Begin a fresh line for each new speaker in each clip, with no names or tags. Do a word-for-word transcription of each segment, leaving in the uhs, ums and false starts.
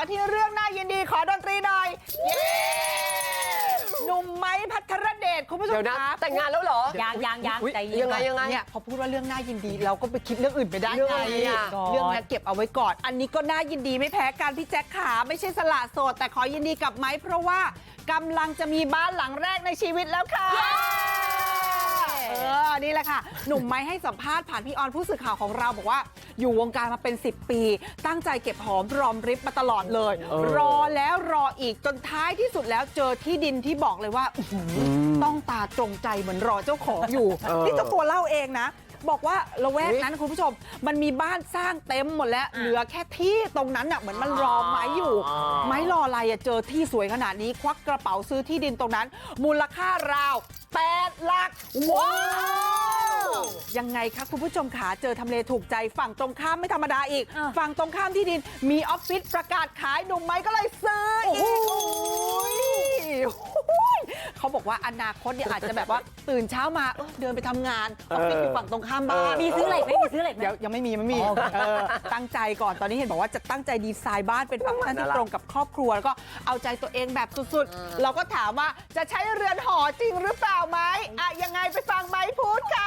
ที่เรื่องน่ายินดีขอดนตรีหน่อยเย้หนุ่มไม้พัทรเดชคุณผู้ชมครับ
แต่งงานแล้วเหรอ
ยังยังยังใจเย็น
ยังไงยังไง
เนี่ยพอพูดว่าเรื่องน่ายินดีเราก็ไปคิดเรื่องอื่นไปได้
เรื่อง
ไง
อะไรอ่ะ
เรื่องนั้นเก็บเอาไว้ก่อน อันนี้ก็น่ายินดีไม่แพ้กันพี่แจ็คขาไม่ใช่สละโสดแต่ขอยินดีกับไม้เพราะว่ากำลังจะมีบ้านหลังแรกในชีวิตแล้วค่ะเออนี่แหละค่ะหนุ่มไม้ให้สัมภาษณ์ผ่านพี่ออนผู้สื่อข่าวของเราบอกว่าอยู่วงการมาเป็นสิบปีตั้งใจเก็บหอมรอมริบมาตลอดเลย รอแล้วรออีกจนท้ายที่สุดแล้วเจอที่ดินที่บอกเลยว่าต้องตาตรงใจเหมือนรอเจ้าของอยู่นี่เจ้าตัวเล่าเองนะบอกว่าละแวกนั้นคุณผู้ชมมันมีบ้านสร้างเต็มหมดแล้วเหลือแค่ที่ตรงนั้นอ่ะเหมือนมันรอไม้อยู่ไม้รออะไรอ่ะเจอที่สวยขนาดนี้ควักกระเป๋าซื้อที่ดินตรงนั้นมูลค่าราวแปดหลักว้าวยังไงคะคุณผู้ชมขาเจอทำเลถูกใจฝั่งตรงข้ามไม่ธรรมดาอีกฝั่งตรงข้ามที่ดินมีออฟฟิศประกาศขายหนุ่มไม้ก็เลยซื้ออีกเขาบอกว่าอนาคตเนี่ยอาจจะแบบว่าตื่นเช้ามาเดินไปทำงานออฟฟิศอยู่ฝั่งตรงข้ามบ้าน
มีซื้อเหล็กไหมมีซื้อเหล็กไหม
เดี๋ยวยังไม่มีไม่มีเออตั้งใจก่อนตอนนี้เห็นบอกว่าจะตั้งใจดีไซน์บ้านเป็นฟังก์ชันที่ตรงกับครอบครัวแล้วก็เอาใจตัวเองแบบสุดๆเราก็ถามว่าจะใช้เรือนหอจริงหรือเปล่าไหมอ่ะยังไงไปฟังไม้พูดค่ะ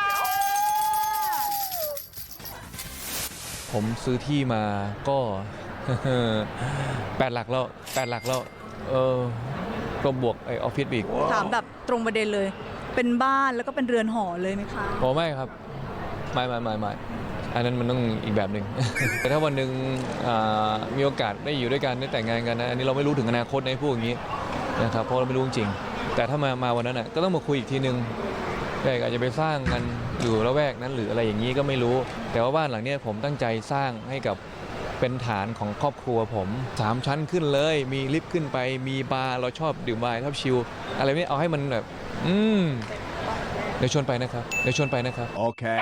ผมซื้อที่มาก็ แปดหลักแล้วแปดหลักแล้วเออก็บวกไอออฟฟิศอีก
ถามแบบตรงประเด็นเลย เป็นบ้านแล้วก็เป็นเรือนหอเลยไหมคะ
โอ้ไม่ครับไม่ไม่ไม่ไม่อันนั้นมันต้องอีกแบบหนึ่ง แต่ถ้าวันหนึ่งอ่ามีโอกาสได้อยู่ด้วยกันได้แต่งงานกันนะอันนี้เราไม่รู้ถึงอนาคตในพวกอย่างนี้นะครับเพราะเราไม่รู้จริงแต่ถ้ามามาวันนั้นอ่ะก็ต้องมาคุยอีกทีนึงแต่อาจจะไปสร้างกันอยู่ละแวกนั้นหรืออะไรอย่างนี้ก็ไม่รู้ แต่ว่าบ้านหลังเนี้ยผมตั้งใจสร้างให้กับเป็นฐานของครอบครัวผมสามชั้นขึ้นเลยมีลิฟต์ขึ้นไปมีบาร์เราชอบดื่มไวน์ชอบชิลอะไรนี้เอาให้มันแบบอืมเดี๋ยวชวนไปนะครับเดี๋ยวชวนไปนะครับ
Okay.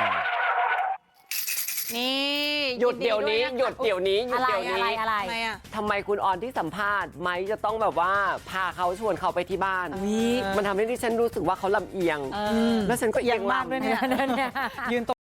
นี่
หยุดเดี๋ยวนี้หยุดเดี๋ยวนี้หยุ
อะ
ด
ไร
เดี๋ยว
อะไร
นี้
อะไร
ทำไมอ่ะ
ทำไมคุณออนที่สัมภาษณ์ไม้จะต้องแบบว่าพาเขาชวนเขาไปที่บ้าน มันทำให้ดิฉันรู้สึกว่าเขาลำเอียง แล้วฉันก็เอียงมากด้วยเนี่ย
ยืน